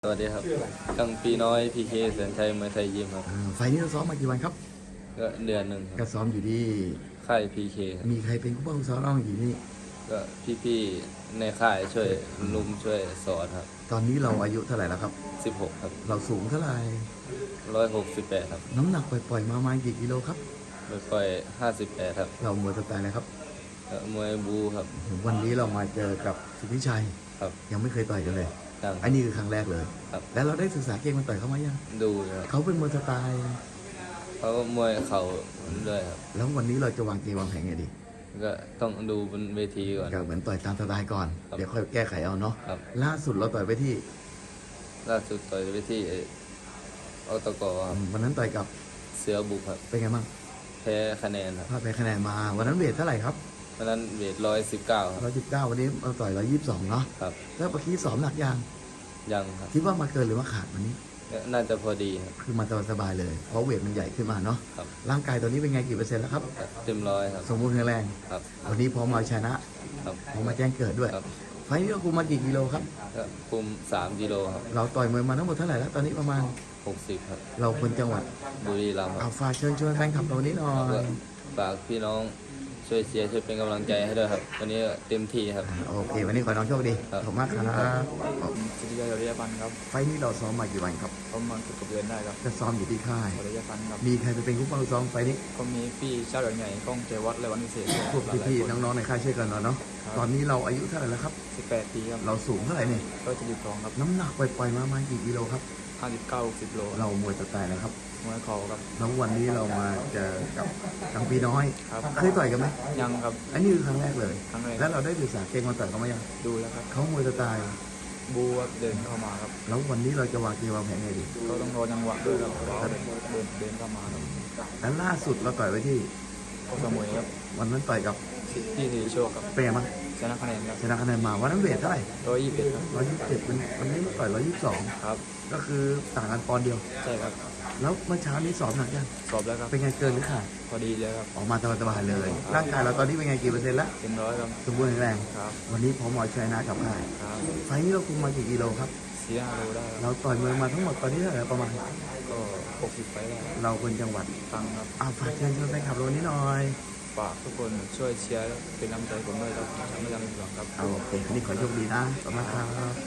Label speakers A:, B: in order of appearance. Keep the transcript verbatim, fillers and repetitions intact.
A: สวัสดีครับกังปีน้อยพีเคแสนชัยมวยไทยยิมครับ
B: อ่าไฟล์นี้เราซ้อมมากี่วันครับ
A: ก็เดือนหนึ่งค
B: ก็
A: รับ
B: ซ้อมอยู่ที่
A: ค่ายพีเคครับ
B: มีใครเป็นผู้ป้องซ้อมน้องอยู่นี่
A: ก็พี่ๆในค่ายช่วยลุมช่วยสอนครับ
B: ตอนนี้เราอายุเท่าไหร่แล้วครับ
A: สิบหกครับ
B: เราสูงเท่าไหร่
A: ร้อยหกสิบแปดครับ
B: น้ำหนักปล่อยๆมาประมาณกี่กิโลครับ
A: ไปปล่อยห้าสิบแปดครับ
B: เรามวยสไตล์อะไรครับ
A: ก็มวยบูครับ
B: วันนี้เรามาเจอกับสุทธิชัย
A: ครับ
B: ยังไม่เคยต่อยกันเลย
A: ยัง
B: อันนี้คือครั้งแรกเลย
A: ครับ
B: แล้วเราได้ศึกษาเกมมาต่อยเขาไหมยัง
A: ดูครับ
B: เขาเป็นมวยสไตล์
A: เขาก็มวยเข่าด้วยครับ
B: แล้ววันนี้เราจะวางเกมวางแผนไงดี
A: ก็ต้องดูบนเวทีก่อน
B: ก็เหมือนต่อยตามสไตล์ก่อน
A: ครับ
B: เดี๋ยวค่อยแก้ไขเอาเนาะ
A: ครับ
B: ล่าสุดเราต่อยไปที่
A: ล่าสุดต่อยไปที่อตกครับ
B: วันนั้นต่อยกับ
A: เสือบุกครับ
B: เป็นไงบ้าง
A: แพ้คะแนนครับ
B: พลาดไปคะแนนมาวันนั้นเวทเท่าไหร่ครับ
A: วันนั้นเวทร้อยสิบเก้าครับ
B: ร้อยสิบเก้าวันนี้เราต่อยร้อยยี่สิบสองเนาะ
A: ครับ
B: แล้วเมื่อกี้สอบหนักยัง
A: ยังครับ
B: คิดว่ามาเกินหรือว่าขาดวันนี้
A: น่าจะพอดีครับ
B: คือมาสบายๆเลยเพราะเวทมันใหญ่ขึ้นมาเนาะ
A: ครับ
B: ร่างกายตอนนี้เป็นไงกี่เปอร์เซ็นต์แล้วครับ
A: เต็มร้อยครับ
B: สมบูรณ์แข็งแรง
A: ครับ
B: วันนี้พร้อมมาชนะครับพร้อมมาแจ้งเกิดด้วย
A: ครับ
B: ไฟล์นี้เราคุมมากี่กิโลครับ
A: ก็คุมสามกิโลครับ
B: เราต่อยมวยมาทั้งหมดเท่าไหร่แล้วตอนนี้ประมาณ
A: หกสิบครับ
B: เราคนจังหวัด
A: บุรีรัมย์ค
B: เอา
A: รับ
B: ฝากเชิญชวนแฟนคลับเรานี้หน่อ
A: ก็
B: ย
A: ฝากพี่น้องช่วยเชียร์ช่วยเป็นกำลังใจให้ด้วยครับวันนี้เต็มที่ครับ
B: โอเควันนี้ขอน้องโชคดีขอบคุณมากครับ
C: สุริยะยอดยพันธ์ครับ
B: ไฟล์นี้เราซ้อมมากี่วันครับ
C: ประมาณเกือบเดือนได้ครับ
B: จะซ้อมอยู่ที่ค่าย
C: สุริยะพันธ์ครับ
B: มีใครไปเป็นผู้ป้องซ้อมไฟล์นี้
C: ก็มีพี่เจ้าเหลืองใหญ่กล้องเจวัดและวันพิเศษ
B: พวกพี่ๆน้องๆในค่ายช่วยกันเนาะเนาะตอนนี้เราอายุเท่าไหร่แล้วครับ
C: สิบแปดปีครับ
B: เราสูงเท่าไหร่เนี่ย
C: ก็จะดีสองครับ
B: น้ำหนักปล่อยๆมาประมาณกี่กิโลครับ
C: ห้าสิบเก้าสิบโล
B: เรามวยสไตล์นะครับ
C: มวยเข่าครับ
B: แล้ววันนี้เรามาเจอกับกังปีน้อย
C: ครับ
B: เคยต่อยกันไหม
C: ยังครับ
B: อันนี้คือครั้งแรกเลย
C: ครั้งแรก
B: แล้วเราได้ศึกษาเกมมาต่อยเขาไหมยัง
C: ดูแล้วครับ
B: เขามวยสไตล์
C: บูครับเดินเข้ามาครับ
B: แล้ววันนี้เราจะวางเกมวางแผนไงดี
C: ก็ต้องรอจังหวะด้วยครับเดินเดินเดินเข้ามาครับ
B: แล้วล่าสุดเราต่อยไว้ที่
C: ก็สมุยครับ
B: วันนั้นต่อยกับ
C: พี่สีโชคครับ
B: เป็นไงบ้าง
C: ชนะคะแนนครับ
B: ชนะคะแนนมาวันนั้นเวทเท่าไหร่
C: ร้อยยี่สิบเอ็ดครับ
B: ร้อยยี่สิบเจ็ดวันนี้มาต่อยร้อยยี่สิบสอง
C: ครับ
B: ก็คือต่างกันปอนด์เดียว
C: ใช่ครับ
B: แล้วเมื่อเช้านี้สอบหนักยัง
C: สอบแล้วครับ
B: เป็นไงเกินหรือขาด
C: พอดีเลยครับ
B: ออกมาสบายๆเลยร่างกายเราตอนนี้เป็นไงกี่เปอร์เซ็นต์ละ
C: เต็มร้อยครับ
B: สมบูรณ์แข็งแรง
C: ครับ
B: วันนี้พร้อมเอาชนะกับใคร
C: ครับ
B: ไฟล์นี้เราคุมมากี่กิโลครับ
C: สี่ห้าโลได้
B: เราต่อยมวยมาทั้งหมดตอนนี้เท่าไหร่ประมาณ
C: ก็หกสิบไฟได้
B: เราคนจังหวัด
C: ตังครับ
B: อาฝากเชิญชวนแฟนคลับเรานี้หน่อย
C: ฝากทุกคนช่วยเชียร์เป็นกำลังใจผมด้วยครับไม่ทำให้ผิดหวังครับ
B: โอเควันนี้ขอโชคดีนะขอบคุณครับ